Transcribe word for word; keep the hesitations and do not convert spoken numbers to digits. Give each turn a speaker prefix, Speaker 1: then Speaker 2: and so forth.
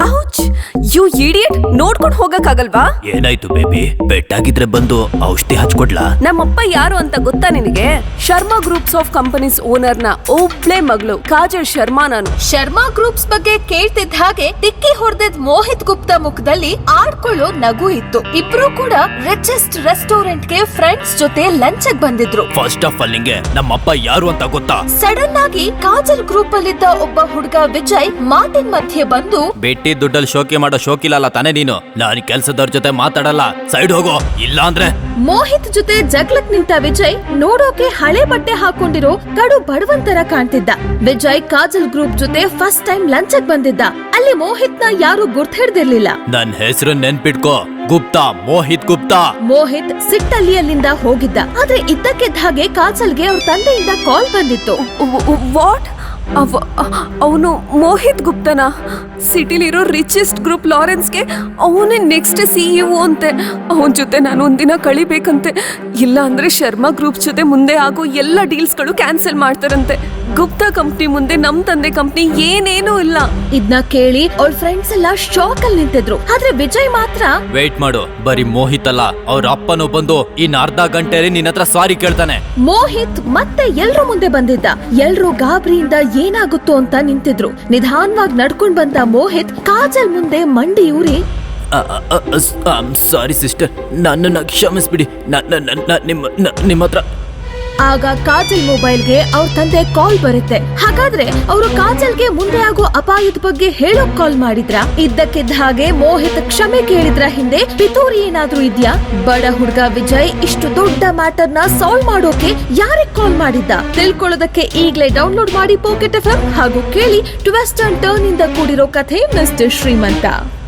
Speaker 1: Ouch! You idiot! ನೋಡ್ಕೊಂಡು ಹೋಗಕ್ಕಾಗಲ್ವಾ?
Speaker 2: ಏನಾಯ್ತು baby? ಬೆಟ್ಟಾಗಿದ್ರೆ ಬಂದು ಔಷಧಿ ಹಚ್ಕೊಡ್ಲಾ?
Speaker 1: ನಮ್ಮಪ್ಪ ಯಾರು ಅಂತ ಗೊತ್ತಾ ನಿನಗೆ? Sharma groups of companies owner ನ ಒಬ್ಳೆ ಮಗಳು ಕಾಜಲ್ ಶರ್ಮಾ ನಾನು.
Speaker 3: ಶರ್ಮಾ ಗ್ರೂಪ್ಸ್ ಬಗ್ಗೆ ಕೇಳ್ತಿದ್ದ ಹಾಗೆ ಟಿಕ್ಕಿ ಹೊಡೆದಿದ್ ಮೋಹಿತ್ ಗುಪ್ತಾ ಮುಖದಲ್ಲಿ ಆಡ್ಕೊಳ್ಳೋ ನಗು ಇತ್ತು. ಇಬ್ರು ಕೂಡ ರಿಚೆಸ್ಟ್ ರೆಸ್ಟೋರೆಂಟ್ ಗೆ ಫ್ರೆಂಡ್ಸ್ ಜೊತೆ ಲಂಚ್ ಬಂದಿದ್ರು.
Speaker 2: ಫಸ್ಟ್ ಆಫ್ ಆಲ್ ನಿಂಗೆ ನಮ್ಮಪ್ಪ ಯಾರು ಅಂತ ಗೊತ್ತಾ?
Speaker 3: ಸಡನ್ ಆಗಿ ಕಾಜಲ್ ಗ್ರೂಪ್ ಅಲ್ಲಿದ್ದ ಒಬ್ಬ ಹುಡುಗ ವಿಜಯ್ ಮಾತಿನ ಮಧ್ಯೆ ಬಂದು,
Speaker 2: ಬೆಟ್ಟಿ ದುಡ್ಡಲ್ಲಿ ಶೋಕಿ ಮಾಡೋ ಶೋಕಿಲ್ಲ ತಾನೇ ನೀನು? ನಾನು ಕೆಲ್ಸದವ್ರ ಜೊತೆ ಮಾತಾಡಲ್ಲ, ಸೈಡ್ ಹೋಗೋ, ಇಲ್ಲ ಅಂದ್ರೆ.
Speaker 3: ಮೋಹಿತ್ ಜೊತೆ ಜಗ್ಲಕ್ ನಿಂತ ವಿಜಯ್ ನೋಡೋಕೆ ಹಳೆ ಬಟ್ಟೆ ಹಾಕೊಂಡಿರೋ ಕಡು ಬಡವಂತರ ಕಾಣ್ತಿದ್ದ. ವಿಜಯ್ ಕಾಜಲ್ ಗ್ರೂಪ್ ಜೊತೆ ಫಸ್ಟ್ ಟೈಮ್ ಲಂಚ್ ಬಂದಿದ್ದ. ಅಲ್ಲಿ ಮೋಹಿತ್ ನ ಯಾರು ಗುರ್ತ್ ಹಿಡ್ದಿರ್ಲಿಲ್ಲ.
Speaker 2: ನನ್ ಹೆಸರು ನೆನ್ಪಿಟ್ಕೋ, ಗುಪ್ತಾ, ಮೋಹಿತ್ ಗುಪ್ತಾ.
Speaker 3: ಮೋಹಿತ್ ಸಿಟ್ಟಲ್ಲಿ ಅಲ್ಲಿಂದ ಹೋಗಿದ್ದ. ಆದ್ರೆ ಇದ್ದಕ್ಕಿದ್ದ ಹಾಗೆ ಕಾಜಲ್ಗೆ ಅವ್ರ ತಂದೆಯಿಂದ ಕಾಲ್ ಬಂದಿತ್ತು.
Speaker 1: ವಾಟ್? ಅವನು ಮೋಹಿತ್ ಗುಪ್ತನ? ಸಿಟಿಲಿರೋ ರಿಚೆಸ್ಟ್ ಗ್ರೂಪ್ ಲಾರೆನ್ಸ್ಗೆ ಅವನೇ ನೆಕ್ಸ್ಟ್ ಸಿಇಒ ಅಂತೆ. ಅವನ ಜೊತೆ ನಾನು ಒಂದಿನ ಕಳಿಬೇಕಂತೆ, ಇಲ್ಲ ಅಂದ್ರೆ ಶರ್ಮಾ ಗ್ರೂಪ್ ಜೊತೆ ಮುಂದೆ ಆಗೋ ಎಲ್ಲ ಡೀಲ್ಸ್ಗಳು ಕ್ಯಾನ್ಸಲ್ ಮಾಡ್ತಾರಂತೆ. ಗುಪ್ತಾ ಕಂಪ್ನಿ ಮುಂದೆ ನಮ್ ತಂದೆ ಕಂಪ್ನಿ ಏನೇನೂ ಇಲ್ಲ.
Speaker 3: ಇದನ್ನ ಕೇಳಿ ಅವ್ರ ಫ್ರೆಂಡ್ಸ್ ಎಲ್ಲ ಶಾಕ್ ಅಲ್ಲಿ ನಿಂತಿದ್ರು. ಆದ್ರೆ ವಿಜಯ್ ಮಾತ್ರ,
Speaker 2: ವೇಟ್ ಮಾಡು, ಬರೀ ಮೋಹಿತ್ ಅಲ್ಲ, ಅವ್ರ ಅಪ್ಪನು ಬಂದು ಇನ್ ಅರ್ಧ ಗಂಟೆಯಲ್ಲಿ ನಿನ್ನ ಹತ್ರ ಸಾರಿ ಕೇಳ್ತಾನೆ.
Speaker 3: ಮೋಹಿತ್ ಮತ್ತೆ ಎಲ್ರು ಮುಂದೆ ಬಂದಿದ್ದ. ಎಲ್ರು ಗಾಬರಿಯಿಂದ ಏನಾಗುತ್ತೋ ಅಂತ ನಿಂತಿದ್ರು. ನಿಧಾನವಾಗಿ ನಡ್ಕೊಂಡ್ ಬಂದ ಮೋಹಿತ್ ಕಾಜಲ್ ಮುಂದೆ ಮಂಡಿ ಊರಿ,
Speaker 2: ಸಾರಿ ಸಿಸ್ಟರ್, ನನ್ನನ್ನ ಕ್ಷಮಿಸ್ಬಿಡಿ, ನಿಮ್ಮ ನಿಮ್ಮ ಹತ್ರ.
Speaker 3: ಆಗ ಕಾಜಲ್ ಮೊಬೈಲ್ಗೆ ಅವ್ರ ತಂದೆ ಕಾಲ್ ಬರುತ್ತೆ. ಹಾಗಾದ್ರೆ ಅವರು ಕಾಜಲ್ಗೆ ಮುಂದೆ ಆಗೋ ಅಪಾಯದ ಬಗ್ಗೆ ಹೇಳೋಕ್ ಕಾಲ್ ಮಾಡಿದ್ರ? ಇದ್ದಕ್ಕಿದ್ದ ಹಾಗೆ ಮೋಹಿತ್ ಕ್ಷಮೆ ಕೇಳಿದ್ರ ಹಿಂದೆ ಪಿತೂರಿ ಏನಾದ್ರೂ ಇದ್ಯಾ? ಬಡ ಹುಡ್ಗ ವಿಜಯ್ ಇಷ್ಟು ದೊಡ್ಡ ಮ್ಯಾಟರ್ ನ ಸಾಲ್ವ್ ಮಾಡೋಕೆ ಯಾರಿಗ್ ಕಾಲ್ ಮಾಡಿದ್ದ? ತಿಳ್ಕೊಳ್ಳೋದಕ್ಕೆ ಈಗ್ಲೇ ಡೌನ್ಲೋಡ್ ಮಾಡಿ ಪಾಕೆಟ್ ಎಫ್ ಎಂ ಹಾಗೂ ಕೇಳಿ ಟ್ವಿಸ್ಟ್ ಅಂಡ್ ಟರ್ನ್ ಇಂದ ಕೂಡಿರೋ ಕಥೆ ಮಿಸ್ಟರ್ ಶ್ರೀಮಂತ.